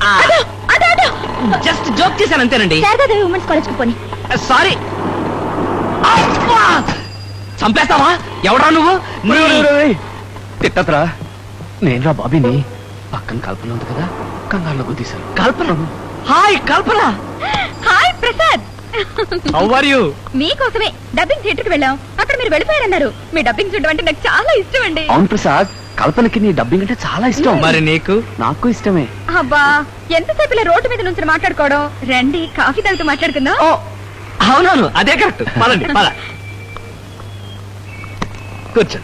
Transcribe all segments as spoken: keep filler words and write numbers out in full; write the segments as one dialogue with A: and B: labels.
A: Just joke చేశాను అంతేనండి.
B: Sharada Devi women's college కు పోని.
A: సారీ. చంపేస్తావా? ఎవడా నువ్వు?
C: తిట్టత్రా, నేనురా బాబీని. పక్కన కల్పన ఉంది కదా, కంగారులో గుద్దీశాను.
A: Kalpana? Hi Kalpana.
B: Hi Prasad.
A: How are you?
B: మీకోసమే డబ్బింగ్ థియేటర్ కి వెళ్ళాం. అక్కడ మీరు వెళ్ళిపోయారన్నారు. మీ డబ్బింగ్ చూడడం అంటే నాకు చాలా ఇష్టం అండి.
C: అవును ప్రసాద్, కల్పనకి నీ డబ్బింగ్ అంటే చాలా ఇష్టం.
A: మరి నీకు?
C: నాకు ఇష్టమే.
B: అబ్బా, ఎంతసేపు ఇలా రోడ్డు మీద నుంచి మాట్లాడుకోవడం. రండి కాఫీ తాగుతూ మాట్లాడుకుందాం.
A: ఓ అవునవును, అదే కరెక్ట్. పదండి పద. కూర్చో.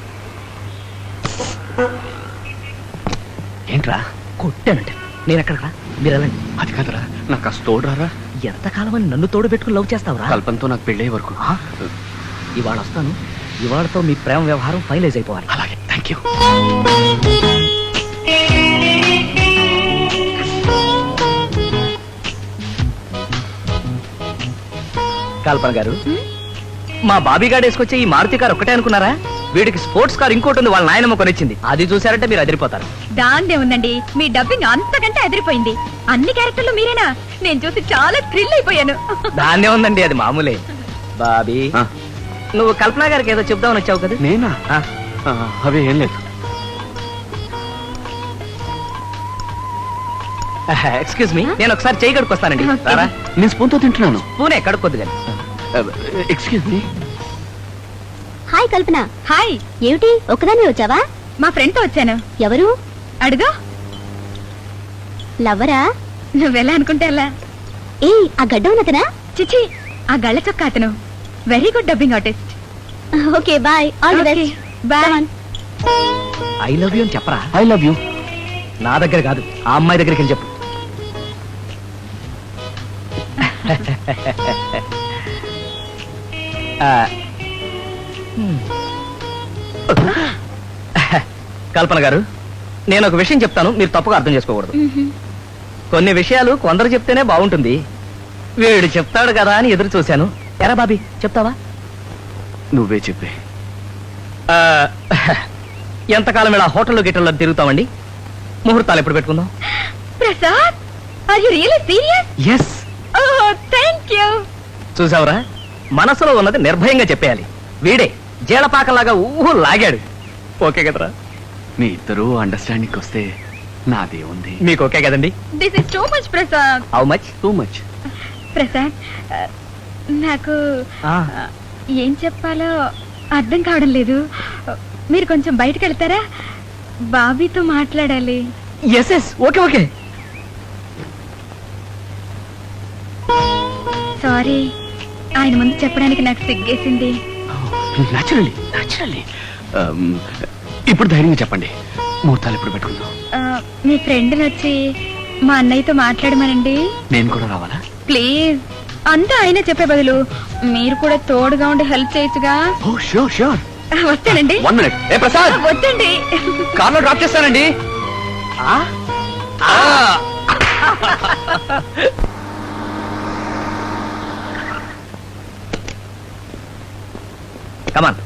C: ఏంట్రా?
A: కొట్టానంటే నేను ఎక్కడరా? మీరు వెళ్ళండి.
C: అది కాదురా, నాకు ఆ తోడురారా.
A: ఎంతకాలం అని నన్ను తోడు పెట్టుకుని లవ్ చేస్తావురా?
C: కల్పనతో నాకు పెళ్ళయ్యే వరకు.
A: ఇవాళ వస్తాను. ఇవాళతో మీ ప్రేమ వ్యవహారం ఫైనలైజ్ అయిపోవాలి.
C: అలాగే, థ్యాంక్ యూ.
A: కల్పన గారు, మా బాబీ గారు వేసుకొచ్చే ఈ మారుతి కారు ఒక్కటే అనుకున్నారా? వీడికి స్పోర్ట్స్ కార్ ఇంకోటి ఉంది, వాళ్ళ నాయనమ్మ కొనిచ్చింది. అది చూసారంటే మీరు అదిరిపోతారు.
B: దాందే ఉందండి, మీ డబ్బింగ్ అంతకంటే అదిరిపోయింది. అన్ని క్యారెక్టర్లు మీరేనా? నేను చూసి చాలా థ్రిల్ అయిపోయాను.
A: దాన్నే ఉందండి, అది మామూలే. బాబీ, నువ్వు కల్పన గారికి ఏదో చెప్దామని వచ్చావు కదా?
C: నేనా? అవి ఏం లేదు.
A: ఎక్స్క్యూజ్ మీ, నేను ఒకసారి చేయి కడుక్కొస్తానండి.
B: Okay.
C: నేను స్పూన్తో తింటున్నాను.
A: పూనే కడుక్కొద్దు కానీ.
C: Excuse me.
B: Hi Kalpana. Hi. ఏమిటి ఒక్కదాన్ని వచ్చావా? మా ఫ్రెండ్ తో వచ్చాను. ఎవరు? అడుగు. లవ్వరా? నువ్వెలా అనుకుంటే అలా. ఏ ఆ గడ్డ ఉన్నతనా? చిచి, ఆ గళ్ళ చొక్క అతను. Very good dubbing artist. Okay bye. All the best. Bye.
A: I love you అని చెప్పరా?
C: I love you.
A: నా దగ్గర కాదు, ఆ అమ్మాయి దగ్గరికి వెళ్ళి చెప్పు. కల్పన గారు, నేను ఒక విషయం చెప్తాను, మీరు తప్పుగా అర్థం చేసుకోకూడదు. కొన్ని విషయాలు కొందరు చెప్తేనే బాగుంటుంది. వీడు చెప్తాడు కదా అని ఎదురు చూశాను. ఎరా బాబీ, చెప్తావా?
C: నువ్వే చెప్పే.
A: ఎంతకాలం ఇలా హోటల్లో గిట్టల్లో తిరుగుతామండి? ముహూర్తాలు ఎప్పుడు పెట్టుకుందాం?
B: Prasad, are you really serious?
A: Yes.
B: Oh, thank you.
A: చూసావురా, మనసులో ఉన్నది నిర్భయంగా చెప్పేయాలి. వీడే జీలపాకలాగా ఊహు లాగాడు. ఓకే కదరా?
C: మీ ఇద్దరు అండర్స్టాండింగ్ వస్తే నాదే ఉంది.
A: మీకు ఓకే కదండి?
B: This is too much Prasad.
A: How much?
C: Too much.
B: Prasad, నాకు ఏం చెప్పాలో అర్థం కావడం లేదు. మీరు కొంచెం బయటకు వెళ్తారా? బాబీతో మాట్లాడాలి.
A: Yes yes, okay okay.
B: Sorry, ఆయన ముందు చెప్పడానికి నాకు సిగ్గేసింది.
C: Naturally naturally. ఇప్పుడు ధైర్యంగా చెప్పండి, ముహూర్తాలు ఎప్పుడు పెట్టుకుందాం?
B: ఆ, మీ ఫ్రెండ్ని వచ్చి మా అన్నయ్యతో మాట్లాడమనండి.
C: నేను కూడా రావాలా?
B: ప్లీజ్. అంతా ఆయన చెప్పే బదులు మీరు కూడా తోడుగా ఉండి హెల్ప్ చేయొచ్చుగా.
C: Oh sure sure.
B: వస్తానండి.
C: One minute. ఏ ప్రసాద్,
B: వద్దండి.
C: కార్లో డ్రాప్ చేస్తానండి.
A: కమాన్.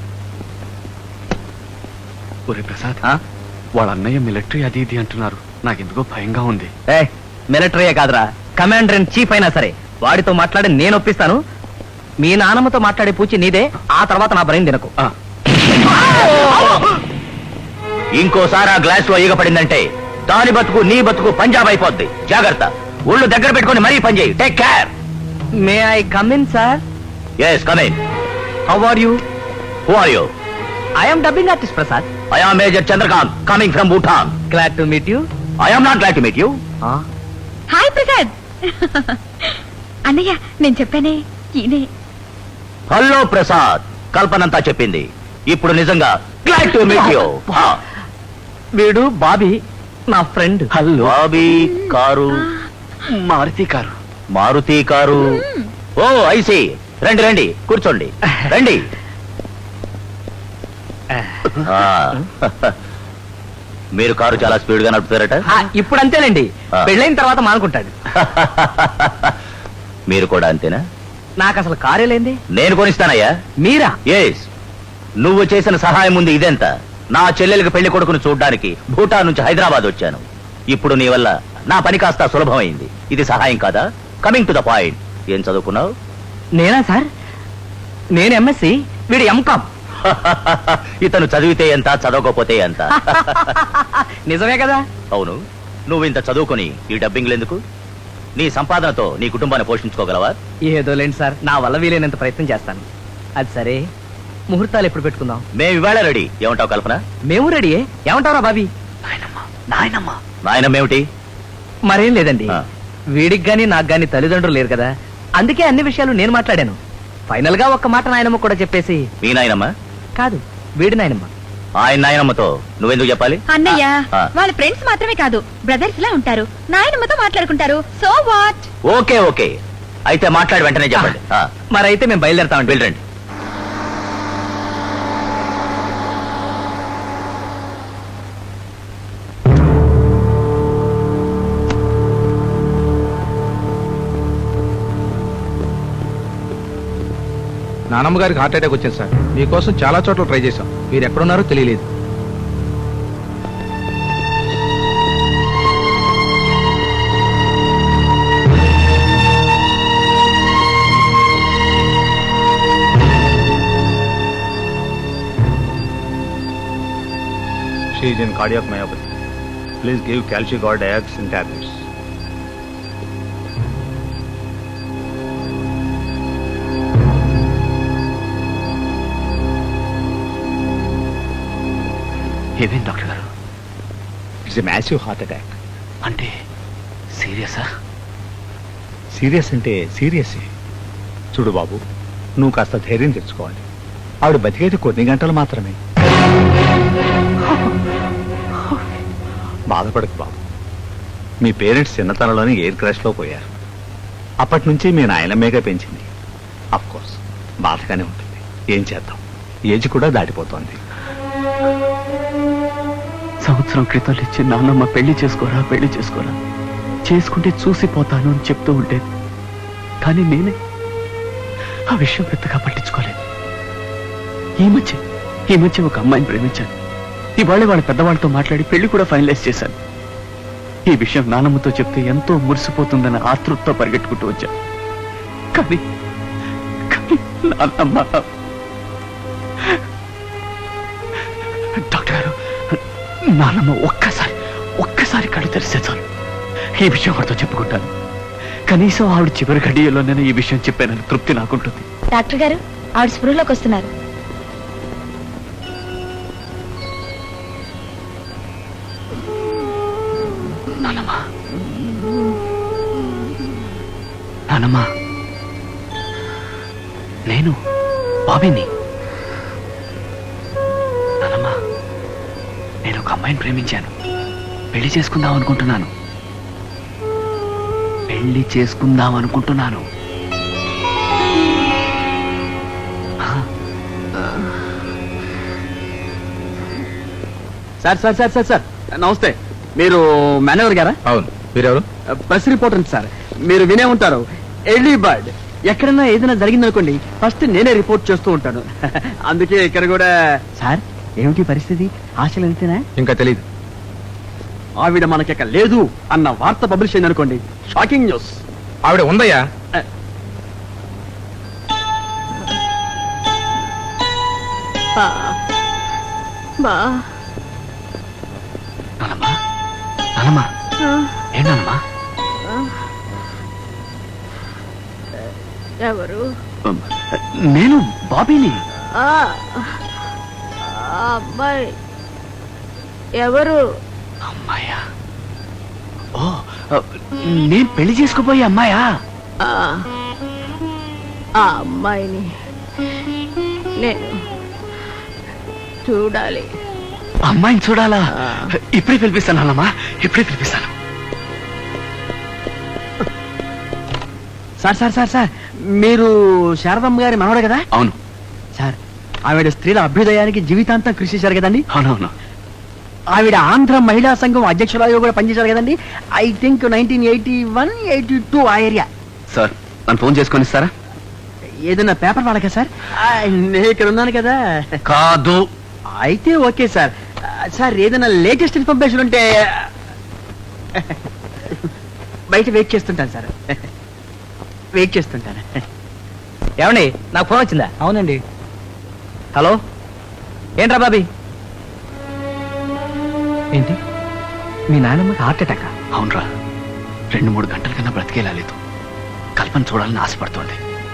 C: ఒరే ప్రసాద్, వాళ్ళ అన్నయ్య మిలిటరీ అది ఇది అంటున్నారు. నాకెందుకో భయంగా ఉంది.
A: ఏ మిలిటరీయే కాదురా, కమాండర్ ఇన్ చీఫ్ అయినా సరే వాడితో మాట్లాడి నేను ఒప్పిస్తాను. మీ నాన్నమ్మతో మాట్లాడే పూచి నీదే. ఆ తర్వాత నా బ్రెయిన్ తినకు. ఇంకోసారి ఆ గ్లాస్ లో ఈగ పడిందంటే దాని బతుకు నీ బతుకు పంజాబ్ అయిపోద్ది. జాగ్రత్త. ఊళ్ళు దగ్గర పెట్టుకుని మరీ పని చేయి. Take care. May I come in sir? Yes, come in. How are you? Who are you? I am dubbing artist Prasad. I am major Chandrakant coming from Bhutan. Glad to meet you. I am not glad to meet you.
B: Hi Prasad. అన్నయ్య, నేను చెప్పానే ఈయనే.
A: Hello Prasad, కల్పనంతా చెప్పింది. ఇప్పుడు నిజంగా glad to meet you. వీడు Bobby, నా friend.
C: Hello.
A: Bobby car
C: Maruti car.
A: Maruti car. Oh I see. రండి రండి, కూర్చోండి. రండి. మీరు కారు చాలా స్పీడ్ గా నడుపుతారట. ఇప్పుడు అంతేనండి, పెళ్ళైన తర్వాత మానుకుంటాడు. మీరు కూడా అంతేనా? నాకు అసలు కారే లేంది. నేను కొనిస్తానయ్యా. మీరా? ఎస్. నువ్వు చేసిన సహాయం ఉంది ఇదెంత. నా చెల్లెలికి పెళ్లి కొడుకును చూడ్డానికి భూటాన్ నుంచి హైదరాబాద్ వచ్చాను. ఇప్పుడు నీ వల్ల నా పని కాస్త సులభమైంది. ఇది సహాయం కాదా? కమింగ్ టు ద పాయింట్, ఏం చదువుకున్నావు?
D: నేనా సార్? నేను ఎంఎస్సి, వీడు ఎంకామ్.
A: ఇతను చదివితే ఎంత, చదవకపోతే ఎంత?
D: నిజమే కదా?
A: అవును. నువ్వు ఇంత చదువుకొని ఈ డబ్బింగ్లు ఎందుకు? నీ సంపాదనతో నీ కుటుంబాన్ని పోషించుకోగలవా?
D: ఏదో లేండి సార్, నా వల్ల వీలైనంత ప్రయత్నం చేస్తాను. అది సరే, ముహూర్తాలు ఎప్పుడు పెట్టుకుందాం?
A: మేము ఇవాళ రెడీ. ఏమంటావు కల్పన?
D: మేము రెడీయే. ఏమంటారా బాబీ?
A: నాయనమ్మ. నాయనమ్మేమిటి?
D: మరేం లేదండి,
A: ఆ.
D: వీడికి గాని నాకు గాని తల్లిదండ్రులు లేరు కదా, అందుకే అన్ని విషయాలు నేను మాట్లాడాను. ఫైనల్ గా ఒక్క మాట నాయనమ్మ కూడా చెప్పేసి.
A: మీ నాయనమ్మ
D: కాదు, వీడి నాయనమ్మ.
A: ఆయన నాయనమ్మతో నువ్వెందుకు చెప్పాలి?
B: అన్నయ్య,
A: ఆ.
B: వాళ్ళ ఫ్రెండ్స్ మాత్రమే కాదు, బ్రదర్స్ లా ఉంటారు. నాయనమ్మతో మాట్లాడుకుంటారు. So what?
A: ఓకే ఓకే, అయితే మాట్లాడి వెంటనే చెప్పండి. ఆ,
D: మరైతే మేము బయలుదేరతామండి.
A: వెళ్ళండి.
E: నానమ్మ గారికి హార్ట్ అటాక్ వచ్చింది సార్. మీకోసం చాలా చోట్ల ట్రై చేశాం, మీరు ఎక్కడున్నారో తెలియలేదు.
F: She is in cardiac myopathy. Please give calcigard dioxin tablets.
C: ఏమేం డాక్టర్ గారు?
F: It's a massive heart attack.
C: అంటే సీరియసా?
F: సీరియస్ అంటే సీరియస్. చూడు బాబు, నువ్వు కాస్త ధైర్యం తెచ్చుకోవాలి. ఆవిడ బతికేది కొన్ని గంటలు మాత్రమే. బాధపడకు బాబు. మీ పేరెంట్స్ చిన్నతనంలోనే ఎయిర్ క్రాష్లో పోయారు. అప్పటి నుంచి మీ నాయనమ్మేగా పెంచింది. అఫ్ కోర్స్ బాధగానే ఉంటుంది. ఏం చేద్దాం, ఏజ్ కూడా దాటిపోతోంది.
C: సంవత్సరం క్రితం ఇచ్చి నాన్నమ్మ పెళ్లి చేసుకోరా పెళ్లి చేసుకోరా, చేసుకుంటే చూసిపోతాను అని చెప్తూ ఉండేది. కానీ నేనే ఆ విషయం పెద్దగా పట్టించుకోలేదు. ఈ మధ్య ఈ మధ్య ఒక అమ్మాయిని ప్రేమించాను. ఇవాళ వాళ్ళ పెద్దవాళ్ళతో మాట్లాడి పెళ్లి కూడా ఫైనలైజ్ చేశాను. ఈ విషయం నాన్నమ్మతో చెప్తే ఎంతో మురిసిపోతుందని ఆతృతతో పరిగెట్టుకుంటూ వచ్చాను. కానీ కానీ నాన్నమ్మ. డాక్టర్ గారు, నాన్నమ్మ ఒక్కసారి ఒక్కసారి కళ్ళు తెరిస్తే చాలు ఈ విషయం వాడితో చెప్పుకుంటాను. కనీసం ఆవిడ చివరి గడియలో నేను ఈ విషయం చెప్పానని తృప్తి నాకుంటుంది.
B: డాక్టర్ గారు, ఆవిడ స్పృహలోకి వస్తున్నారు.
C: నాన్నమ్మా, నాన్నమ్మా, నేను బాబీని. నాన్నమ్మా, నేను ఒక అమ్మాయిని ప్రేమించాను. పెళ్లి చేసుకుందాం అనుకుంటున్నాను. పెళ్లి చేసుకుందాం అనుకుంటున్నాను.
D: Sir sir sir sir sir నమస్తే. మీరు మేనేజర్ గారా?
E: అవును, మీరెవరు?
D: Press reporter sir. మీరు వినే ఉంటారు, ఎర్లీ బర్డ్. ఎక్కడన్నా ఏదైనా జరిగిందనుకోండి, ఫస్ట్ నేనే రిపోర్ట్ చేస్తూ ఉంటాను. అందుకే ఇక్కడ కూడా. సార్, ఏమిటి పరిస్థితి? ఆశలు అంతేనా?
E: ఇంకా తెలియదు.
D: ఆవిడ మనకిక లేదు అన్న వార్త పబ్లిష్ అయింది అనుకోండి, షాకింగ్ న్యూస్.
E: ఆవిడ ఉందయ్యా.
C: నానమ్మా, నానమ్మా, ఏంటమ్మా?
B: ఎవరు?
C: నేను బాబీని.
B: అబ్బాయి ఎవరు?
C: అమ్మాయా? ఓ, నేను పెళ్లి చేసుకోబోయే అమ్మాయా?
B: ఆ అమ్మాయిని నేను చూడాలి.
C: అమ్మాయిని చూడాలా? ఇప్పుడే పిలిపిస్తాను అన్నమ్మా, ఇప్పుడే పిలిపిస్తాను.
D: సార్ సార్ సార్ సార్ మీరు శారదమ్మ గారి మనవడే కదా?
C: అవును
D: సార్, ఆవిడ స్త్రీల అభ్యుదయానికి జీవితాంతం కృషి చేశారు కదండి.
C: అవునవును.
D: ఆవిడ ఆంధ్ర మహిళా సంఘం అధ్యక్షురాలుగా కూడా పనిచేశారు కదండి. I think nineteen eighty one eighty two ఆ ఏరియా.
C: సార్, నన్ను ఫోన్ చేసుకొని ఇస్తారా?
D: ఏదైనా పేపర్ వాళ్ళకా సార్? ఆ, నేను ఇక్కడ ఉన్నాను కదా.
C: కాదు.
D: అయితే ఓకే సార్. సార్, ఏదైనా లేటెస్ట్ ఇన్ఫర్మేషన్ ఉంటే బయట వెయిట్ చేస్తుంటాను సార్ వెయిట్ చేస్తుంటాను
A: ఏమండి నాకు ఫోన్ వచ్చిందా?
D: అవునండి.
A: హలో, ఏంట్రా బాబీ?
D: ఏంటి మీ నాయనమ్మకి హార్ట్ అటాక్?
C: అవునరా, రెండు మూడు గంటల కన్నా బ్రతికేలా లేదు. కల్పన చూడాలని ఆశపడుతోంది.